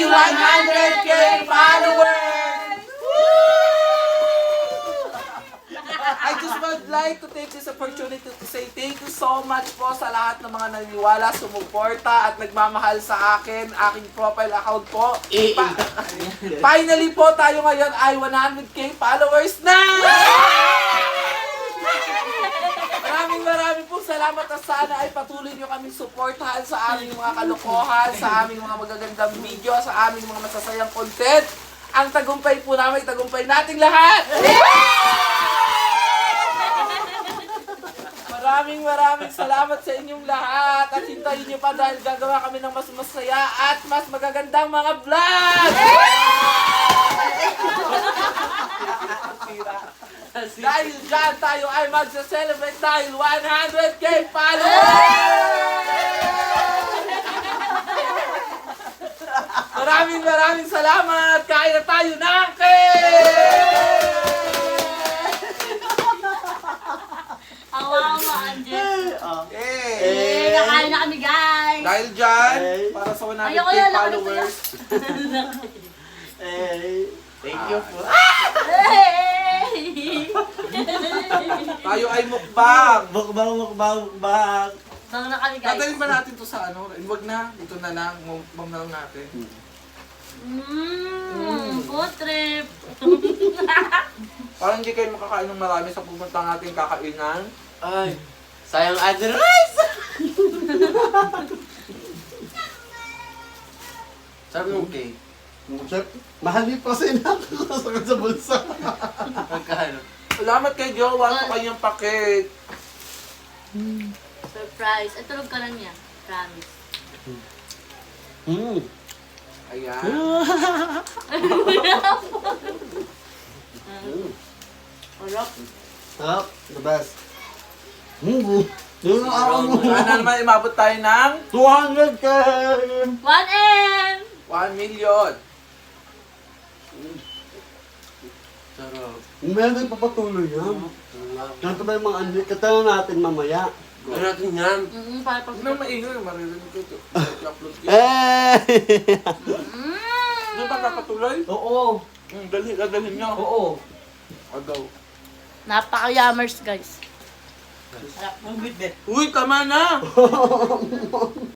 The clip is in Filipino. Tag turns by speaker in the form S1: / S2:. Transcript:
S1: 100K followers! I just would like to take this opportunity to say thank you so much po sa lahat ng mga naniniwala, sumuporta at nagmamahal sa akin, aking profile account po. Finally po tayo ngayon ay 100K followers na! Maraming pong salamat at sana ay patuloy nyo kaming suportahan sa aming mga kalokohan, sa aming mga magagandang video, sa aming mga masasayang content. Ang tagumpay po namin, tagumpay nating lahat! Maraming salamat sa inyong lahat at hintayin nyo pa dahil gagawa kami ng mas masaya at mas magagandang mga vlog! Dahil dyan tayo ay magsa-celebrate dahil 100K followers! Maraming salamat! Kain na tayo ng cake!
S2: Awawa, Angel. Kakain na kami, guys.
S1: Dahil dyan, para sa 100K
S2: Ayoko yan,
S1: followers,
S3: Thank you po.
S1: tayo ay mukbang!
S3: Mukbang.
S2: Bang na kami, guys.
S1: Dadalhin ba natin to sa ano? Huwag na, dito na lang, mukbang na lang natin.
S2: Food trip.
S1: Parang hindi kayo makakain ng marami sa pumunta ng ating kakainan.
S3: Ay, sayang other rice. Sarap ng cake.
S4: Chef, mahal din pa kasi nakakasakit sa bulsa.
S3: Magkano?
S1: Salamat kay Jowa sa kanyang paket.
S2: Surprise. Ay, tulog ka lang niya. Promise.
S1: Ayan.
S2: Harap.
S4: Sarap, the best. Yun ang araw mo.
S1: Sana naman imabot tayo ng
S4: 200K!
S2: 1M!
S1: 1 million.
S3: Sarap.
S4: Meron papatuloy yan. Ganito ba yung mga anli? Katala natin mamaya.
S3: Ano natin yan?
S2: Para pag...
S1: Huwag na maingay, maririnig ko ito. I-upload ko. Hindi ba papatuloy?
S4: Oo.
S1: Dadalhin niyo.
S4: Oo.
S1: Agaw.
S2: Napaka-yummers, guys.
S3: Ang good bet.
S1: Uy, tama na!